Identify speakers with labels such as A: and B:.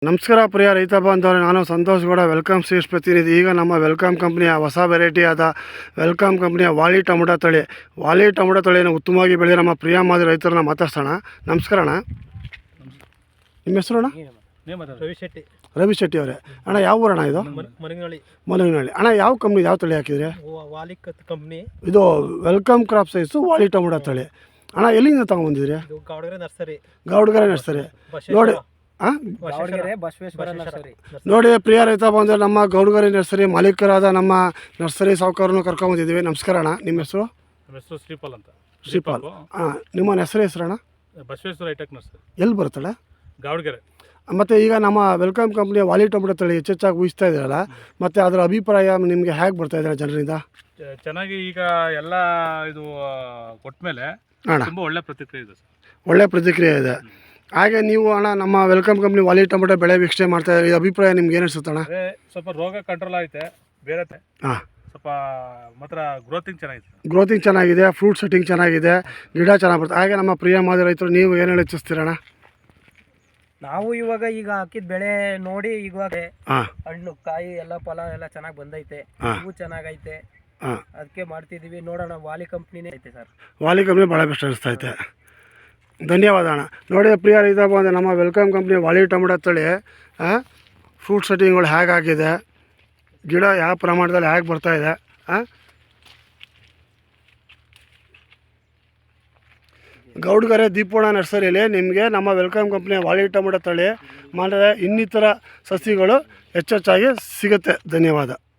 A: ನಮಸ್ಕಾರ ಪ್ರಿಯ ರೈತ ಬಾಂಧವರೇ, ನಾನು ಸಂತೋಷ್ ಗೌಡ, ವೆಲ್ಕಮ್ ಸೀಡ್ಸ್ ಪ್ರತಿನಿಧಿ. ಈಗ ನಮ್ಮ ವೆಲ್ಕಮ್ ಕಂಪ್ನಿಯ ಹೊಸ ವೆರೈಟಿ ಆದ ವೆಲ್ಕಮ್ ಕಂಪ್ನಿಯ ವಾಲಿ ಟೊಮೊಟೊ ತಳಿಯನ್ನು ಉತ್ತಮವಾಗಿ ಬೆಳೆದ ನಮ್ಮ ಪ್ರಿಯ ಮಾದರಿ ರೈತರನ್ನ ಮಾತಾಡ್ಸೋಣ. ನಮಸ್ಕಾರ ಅಣ್ಣ, ನಿಮ್ಮ ಹೆಸರು ಅಣ್ಣ? ರವಿ ಶೆಟ್ಟಿ ಅವರೇ. ಅಣ್ಣ ಯಾವ ಊರಣ್ಣ ಇದು? ಮಲಗಿನಹಳ್ಳಿ. ಅಣ್ಣ ಯಾವ ಕಂಪ್ನಿ, ಯಾವ ತಳಿ ಹಾಕಿದ್ರೆ? ಇದು ವೆಲ್ಕಮ್ ಕ್ರಾಪ್ ಸೈಜು ವಾಲಿ ಟೊಮೊಟೊ ತಳಿ. ಅಣ್ಣ ಎಲ್ಲಿಂದ ತಗೊಂಡ್ಬಂದಿದ್ರಿ? ಗೌಡ್ಗೆರೆ ನರ್ಸರಿ. ನೋಡಿ ಪ್ರಿಯ ರೈತ ಬಂದರೆ ನಮ್ಮ ಗೌಡ್ಗೆರೆ ನರ್ಸರಿ ಮಾಲೀಕರಾದ ನಮ್ಮ ನರ್ಸರಿ ಸಾಹುಕಾರನ್ನು ಕರ್ಕೊಂಬಂದಿದ್ದೀವಿ. ನಮಸ್ಕಾರ ಅಣ್ಣ, ನಿಮ್ಮ ಹೆಸರು?
B: ಶ್ರೀಪಾಲ್ ಅಂತ.
A: ಶ್ರೀಪಾಲ್. ನಿಮ್ಮ ಹೆಸರು ಅಣ್ಣ?
B: Basaveshwara hitech nursery.
A: ಎಲ್ಲಿ ಬರುತ್ತಲ್ಲ?
B: ಗೌಡ್ಗೆರೆ.
A: ಮತ್ತು ಈಗ ನಮ್ಮ ವೆಲ್ಕಮ್ ಕಂಪ್ನಿಯ ವಾಲಿ ಟೊಮೊಟೊ ತಳಿ ಹೆಚ್ಚೆಚ್ಚಾಗಿ ಊಹಿಸ್ತಾ ಇದ್ದೀರಲ್ಲ, ಮತ್ತು ಅದರ ಅಭಿಪ್ರಾಯ ನಿಮಗೆ ಹೇಗೆ ಬರ್ತಾ ಇದೆ ಜನರಿಂದ?
B: ಚೆನ್ನಾಗಿ ಈಗ ಎಲ್ಲ ಇದು ಕೊಟ್ಟ ಮೇಲೆ ತುಂಬ ಒಳ್ಳೆ ಪ್ರತಿಕ್ರಿಯೆ ಇದೆ ಸರ್.
A: ಒಳ್ಳೆ ಪ್ರತಿಕ್ರಿಯೆ ಇದೆ. ಹಾಗೆ ನೀವು ಅಣ್ಣ ನಮ್ಮ ವೆಲ್ಕಮ್ ಕಂಪ್ನಿ ವಾಲಿ ಟೊಮೊಟೊ ಬೆಳೆ ವೀಕ್ಷಣೆ ಮಾಡ್ತಾ ಇದ್ದೀರಿ, ಅಭಿಪ್ರಾಯ ನಿಮ್ಗೆ ಏನು ಅನಿಸುತ್ತೆ ಅಣ್ಣ?
B: ಸ್ವಲ್ಪ ರೋಗ ಕಂಟ್ರೋಲ್ ಆಯ್ತೆ, ಬೇರೆ ಸ್ವಲ್ಪ ಮಾತ್ರ ಗ್ರೋತಿಂಗ್
A: ಚೆನ್ನಾಗಿದೆ, ಫ್ರೂಟ್ ಸೆಟ್ಟಿಂಗ್ ಚೆನ್ನಾಗಿದೆ, ಗಿಡ ಚೆನ್ನಾಗಿ ಬರ್ತದೆ. ಹಾಗೆ ನಮ್ಮ ಪ್ರಿಯ ಮಾದರಿ ರೈತರು ನೀವು ಏನು ಹೇಳಿ ಇಚ್ಛಿಸ್ತೀರಣ್ಣ?
C: ನಾವು ಇವಾಗ ಈಗ ಹಾಕಿದ ಬೆಳೆ ನೋಡಿ ಇವಾಗ ಹಣ್ಣು ಕಾಯಿ ಎಲ್ಲ ಫಲ ಎಲ್ಲ ಚೆನ್ನಾಗಿ ಬಂದೈತೆ, ಹೂವು ಚೆನ್ನಾಗೈತೆ, ಅದಕ್ಕೆ ಮಾಡ್ತಿದ್ದೀವಿ. ನೋಡೋಣ, ವಾಲಿ ಕಂಪ್ನಿನೇ ಐತೆ ಸರ್.
A: ವಾಲಿ ಕಂಪ್ನಿ ಭಾಳ ಬೆಸ್ಟ್ ಅನಿಸ್ತಾ ಐತೆ. ಧನ್ಯವಾದ ಅಣ್ಣ. ನೋಡಿ ಪ್ರಿಯ ರೈತ ಬಂದರೆ ನಮ್ಮ ವೆಲ್ಕಮ್ ಕಂಪ್ನಿ ವಾಲಿ ಟೊಮೊಟೊ ತಳಿ ಫ್ರೂಟ್ ಸೆಟ್ಟಿಂಗ್ಗಳು ಹೇಗಾಗಿದೆ, ಗಿಡ ಯಾವ ಪ್ರಮಾಣದಲ್ಲಿ ಹೇಗೆ ಬರ್ತಾಯಿದೆ. ಗೌಡ್ಗೆರೆ ದೀಪೋಣ ನರ್ಸರಿಯಲ್ಲಿ ನಿಮಗೆ ನಮ್ಮ ವೆಲ್ಕಮ್ ಕಂಪ್ನಿಯ ವಾಲಿ ಟೊಮೊಟೊ ತಳಿ ಮಾಡಿದ್ರೆ ಇನ್ನಿತರ ಸಸಿಗಳು ಹೆಚ್ಚೆಚ್ಚಾಗಿ ಸಿಗುತ್ತೆ. ಧನ್ಯವಾದ.